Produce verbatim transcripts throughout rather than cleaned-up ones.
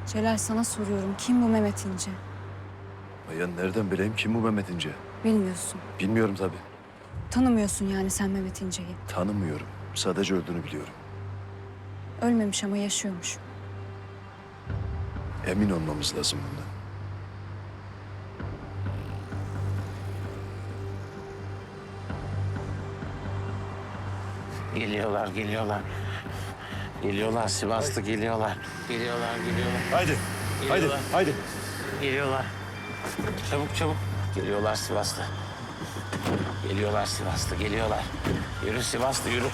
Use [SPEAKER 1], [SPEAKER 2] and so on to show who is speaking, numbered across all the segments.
[SPEAKER 1] Celal sana soruyorum. Kim bu Mehmet İnce?
[SPEAKER 2] Ya nereden bileyim kim bu Mehmet İnce?
[SPEAKER 1] Bilmiyorsun.
[SPEAKER 2] Bilmiyorum tabii.
[SPEAKER 1] Tanımıyorsun yani sen Mehmet İnce'yi.
[SPEAKER 2] Tanımıyorum. Sadece öldüğünü biliyorum.
[SPEAKER 1] Ölmemiş ama yaşıyormuş.
[SPEAKER 2] Emin olmamız lazım bundan.
[SPEAKER 3] Geliyorlar, geliyorlar. Geliyorlar, Sivaslı geliyorlar. Geliyorlar, geliyorlar.
[SPEAKER 2] Haydi.
[SPEAKER 3] Geliyorlar.
[SPEAKER 2] Haydi.
[SPEAKER 3] Geliyorlar. Çabuk çabuk. Geliyorlar Sivaslı. Geliyorlar Sivaslı, geliyorlar. Yürü Sivaslı, yürü.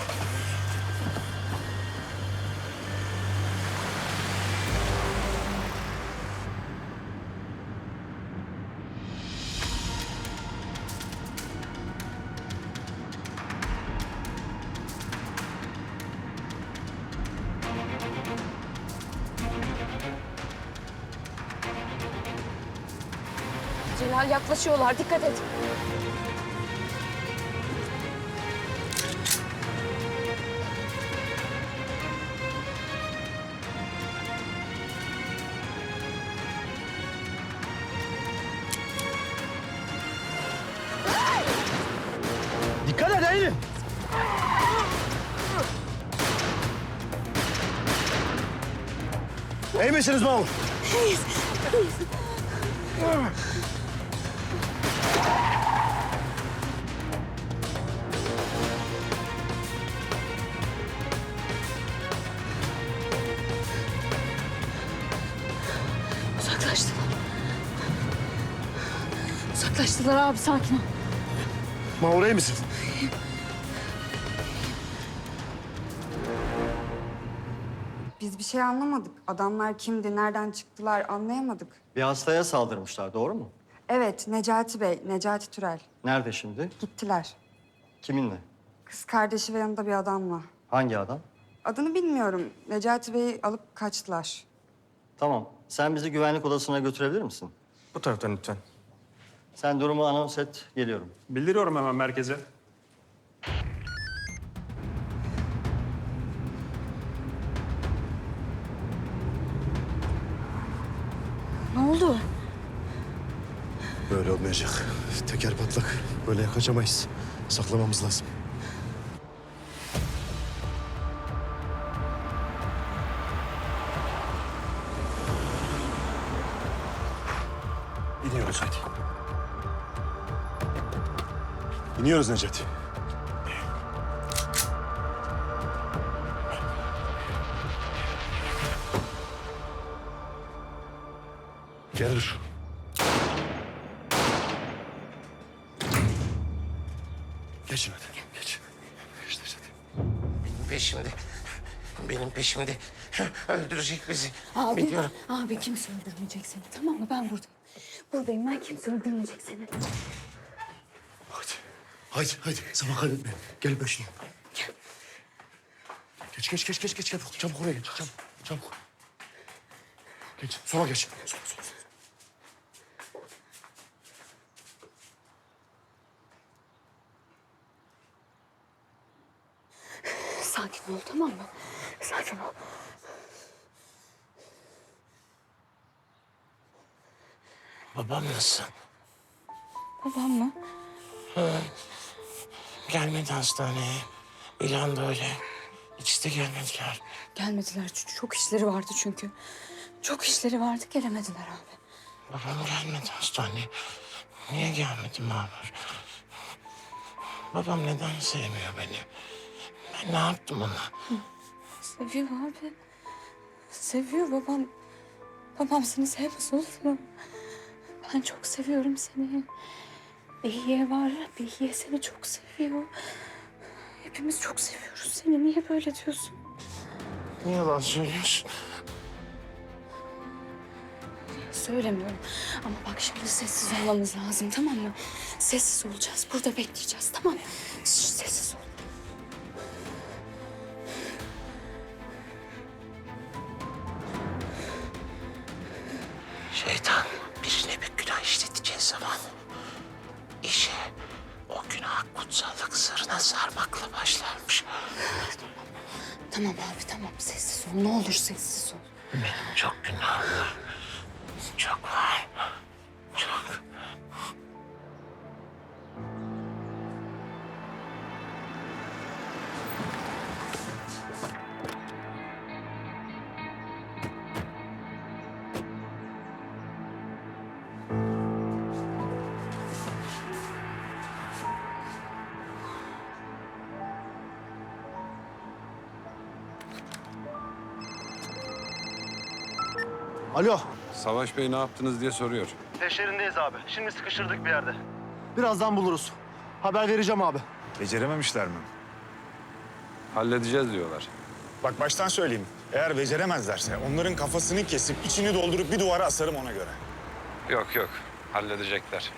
[SPEAKER 1] Celal yaklaşıyorlar. Dikkat et.
[SPEAKER 2] Dikkat et Eylül. İyi misiniz Mahmut?
[SPEAKER 1] Uzaklaştılar. Uzaklaştılar abi. Sakin ol.
[SPEAKER 2] Mahmut iyi misin?
[SPEAKER 4] Biz bir şey anlamadık. Adamlar kimdi, nereden çıktılar anlayamadık.
[SPEAKER 5] Bir hastaya saldırmışlar, doğru mu?
[SPEAKER 4] Evet, Necati Bey, Necati Türel.
[SPEAKER 5] Nerede şimdi?
[SPEAKER 4] Gittiler.
[SPEAKER 5] Kiminle?
[SPEAKER 4] Kız kardeşi ve yanında bir adamla.
[SPEAKER 5] Hangi adam?
[SPEAKER 4] Adını bilmiyorum. Necati Bey'i alıp kaçtılar.
[SPEAKER 5] Tamam. Sen bizi güvenlik odasına götürebilir misin?
[SPEAKER 6] Bu taraftan lütfen.
[SPEAKER 5] Sen durumu anons et, geliyorum.
[SPEAKER 6] Bildiriyorum hemen merkeze.
[SPEAKER 1] Ne oldu?
[SPEAKER 2] Böyle olmayacak. Teker patlak. Böyle kaçamayız. Saklamamız lazım. İniyoruz hadi. İniyoruz Necati. Gel dur. Geçin hadi. Geç. Geç Necati.
[SPEAKER 3] Benim peşimde. Benim peşimde. Öldürecek bizi.
[SPEAKER 1] Abi,
[SPEAKER 3] Biliyorum.
[SPEAKER 1] abi kimse öldürmeyecek seni. Tamam mı? Ben buradayım. Buradayım. Ben kimse öldürmeyecek seni.
[SPEAKER 2] Hadi. Haydi, haydi. Zaman kaybetme. Gel peşine. Geç, geç, geç, geç, geç. Çabuk, çabuk oraya geç. Çabuk, çabuk. Geç, sola geç. Sola, sola, sola.
[SPEAKER 1] Sakin ol, tamam mı? Sakin ol.
[SPEAKER 3] Babam nasıl?
[SPEAKER 1] Babam mı?
[SPEAKER 3] Gelmedi hastaneye. İlan da öyle. İkisi de gelmediler.
[SPEAKER 1] Gelmediler. Ç- Çok işleri vardı çünkü. Çok işleri vardı. Gelemediler abi.
[SPEAKER 3] Babam gelmedi hastaneye. Niye gelmedi Mahmur? Babam neden sevmiyor beni? Ben ne yaptım ona?
[SPEAKER 1] Seviyor abi. Seviyor babam. Babam seni sevmez olur mu? Ben çok seviyorum seni. Behiye var. Behiye seni çok seviyor. Hepimiz çok seviyoruz seni. Niye böyle diyorsun?
[SPEAKER 3] Niye yalan söylüyorsun?
[SPEAKER 1] Söylemiyorum. Ama bak şimdi sessiz olmamız lazım, tamam mı? Sessiz olacağız. Burada bekleyeceğiz, tamam mı? Şş, sessiz ol.
[SPEAKER 3] Şeytan birine bir günah işleteceği zaman işe o günah kutsallık sırrına sarmakla başlarmış.
[SPEAKER 1] Tamam abi, tamam. Sessiz ol. Ne olur sessiz ol.
[SPEAKER 3] Benim çok günahım var. Çok var. Çok.
[SPEAKER 5] Alo.
[SPEAKER 7] Savaş Bey ne yaptınız diye soruyor.
[SPEAKER 5] Peşlerindeyiz abi. Şimdi sıkıştırdık bir yerde. Birazdan buluruz. Haber vereceğim abi.
[SPEAKER 8] Becerememişler mi?
[SPEAKER 7] Halledeceğiz diyorlar.
[SPEAKER 8] Bak baştan söyleyeyim. Eğer beceremezlerse onların kafasını kesip içini doldurup bir duvara asarım ona göre.
[SPEAKER 7] Yok yok, halledecekler.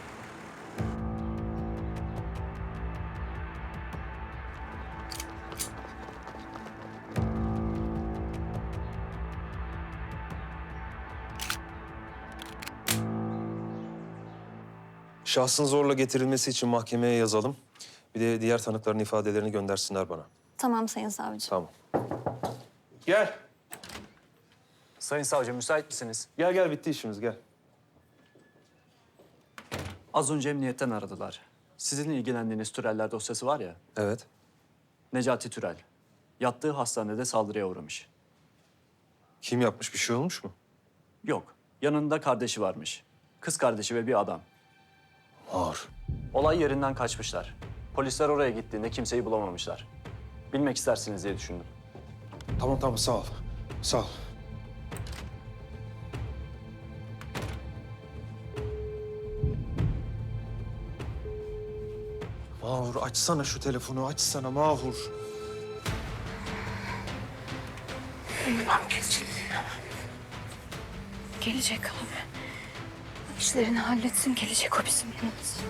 [SPEAKER 9] Şahsın zorla getirilmesi için mahkemeye yazalım. Bir de diğer tanıkların ifadelerini göndersinler bana.
[SPEAKER 10] Tamam Sayın Savcı.
[SPEAKER 9] Tamam. Gel.
[SPEAKER 6] Sayın Savcı müsait misiniz?
[SPEAKER 9] Gel gel bitti işimiz gel.
[SPEAKER 6] Az önce emniyetten aradılar. Sizin ilgilendiğiniz Türeller dosyası var ya,
[SPEAKER 9] Evet.
[SPEAKER 6] Necati Türel. Yattığı hastanede saldırıya uğramış.
[SPEAKER 9] Kim yapmış, bir şey olmuş mu?
[SPEAKER 6] Yok, yanında kardeşi varmış. Kız kardeşi ve bir adam.
[SPEAKER 9] Ağır.
[SPEAKER 6] Olay yerinden kaçmışlar. Polisler oraya gittiğinde kimseyi bulamamışlar. Bilmek istersiniz diye düşündüm.
[SPEAKER 9] Tamam tamam sağ ol. Sağ ol. Mahur açsana şu telefonu, açsana Mahur.
[SPEAKER 1] Gelecek abi. İşlerini halletsin, gelecek o bizim yanımıza.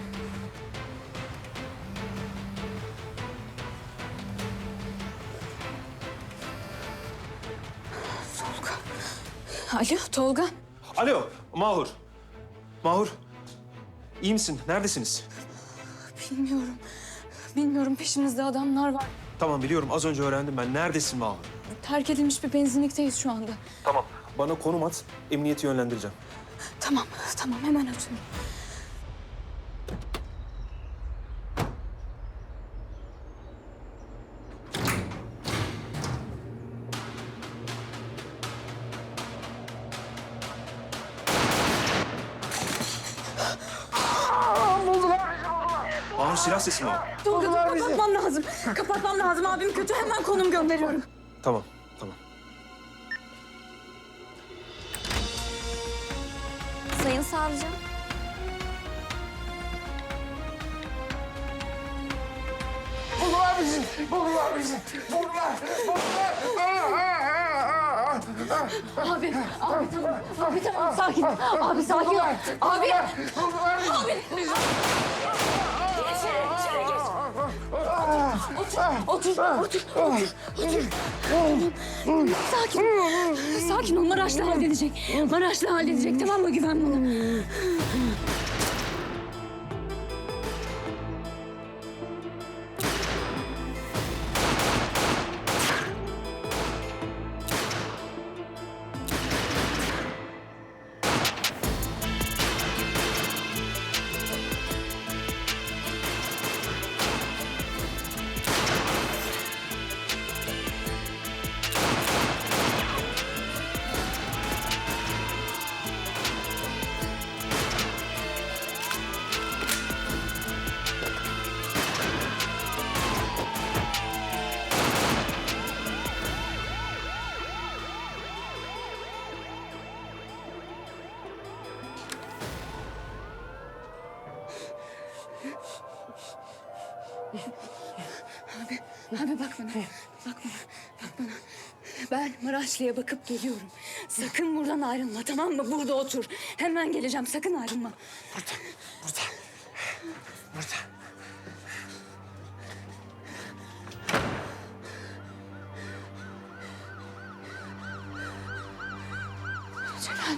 [SPEAKER 1] Tolga. Alo Tolga.
[SPEAKER 9] Alo Mahur. Mahur. İyi misin? Neredesiniz?
[SPEAKER 1] Bilmiyorum. Bilmiyorum, peşimizde adamlar var.
[SPEAKER 9] Tamam biliyorum, az önce öğrendim ben. Neredesin Mahur?
[SPEAKER 1] Terk edilmiş bir benzinlikteyiz şu anda.
[SPEAKER 9] Tamam. Bana konum at, emniyeti yönlendireceğim.
[SPEAKER 1] Tamam, tamam hemen atıyorum.
[SPEAKER 9] Mahur silah sesi mi o?
[SPEAKER 1] Tolga dur, kapatmam lazım. Kapatmam lazım, abim kötü, hemen konum gönderiyorum.
[SPEAKER 9] Tamam, tamam.
[SPEAKER 10] Sayın Savcı.
[SPEAKER 1] Abi, abi tamam, abi tamam, sakin. Abi sakin ol. Abi, abi. İçeri, içeri geç. Otur, otur, otur, otur, otur. Tamam, sakin. Sakin ol, Maraşlı halledecek. Maraşlı halledecek, tamam mı? Güven bana. Abi, abi bak bana, bak bana, bak bana. Ben Maraşlı'ya bakıp geliyorum. Sakın buradan ayrılma, tamam mı? Burada otur. Hemen geleceğim, sakın ayrılma.
[SPEAKER 3] Burada, burada. Burada.
[SPEAKER 1] Celal.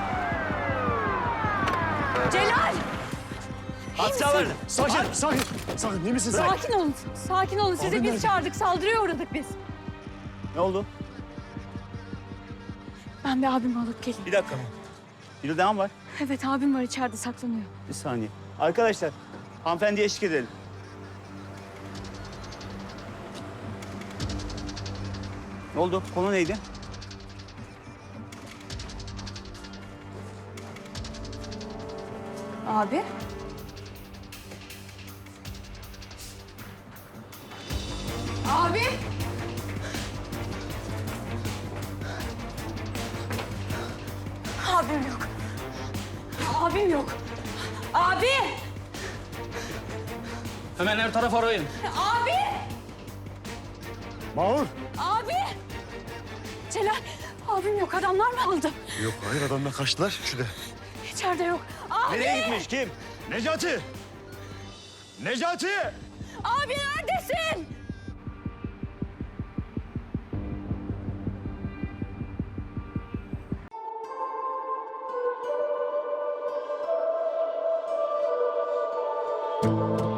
[SPEAKER 1] Celal!
[SPEAKER 6] Hatta Sakin, sakin.
[SPEAKER 2] Sakın iyi misin sen?
[SPEAKER 1] Sakin olun. Sakin olun. Sizi
[SPEAKER 2] Abim
[SPEAKER 1] biz
[SPEAKER 2] nerede?
[SPEAKER 1] çağırdık. Saldırıya uğradık biz.
[SPEAKER 5] Ne oldu?
[SPEAKER 1] Ben bir abimi alıp geleyim.
[SPEAKER 5] Bir dakika. Bir devam var.
[SPEAKER 1] Evet abim var içeride saklanıyor.
[SPEAKER 5] Bir saniye. Arkadaşlar, hanımefendiye eşlik edelim. Ne oldu? Konu neydi?
[SPEAKER 1] Abi. Abi. Abim yok. Abim yok. Abi.
[SPEAKER 6] Hemen her taraf arayın.
[SPEAKER 1] Abi.
[SPEAKER 2] Mahur.
[SPEAKER 1] Abi. Celal. Abim yok. Adamlar mı aldı?
[SPEAKER 2] Yok hayır adamlar kaçtılar. Şurada.
[SPEAKER 1] İçeride yok. Abi.
[SPEAKER 5] Nereye gitmiş? Kim?
[SPEAKER 2] Necati! Necati!
[SPEAKER 1] Abi neredesin?
[SPEAKER 2] Necati!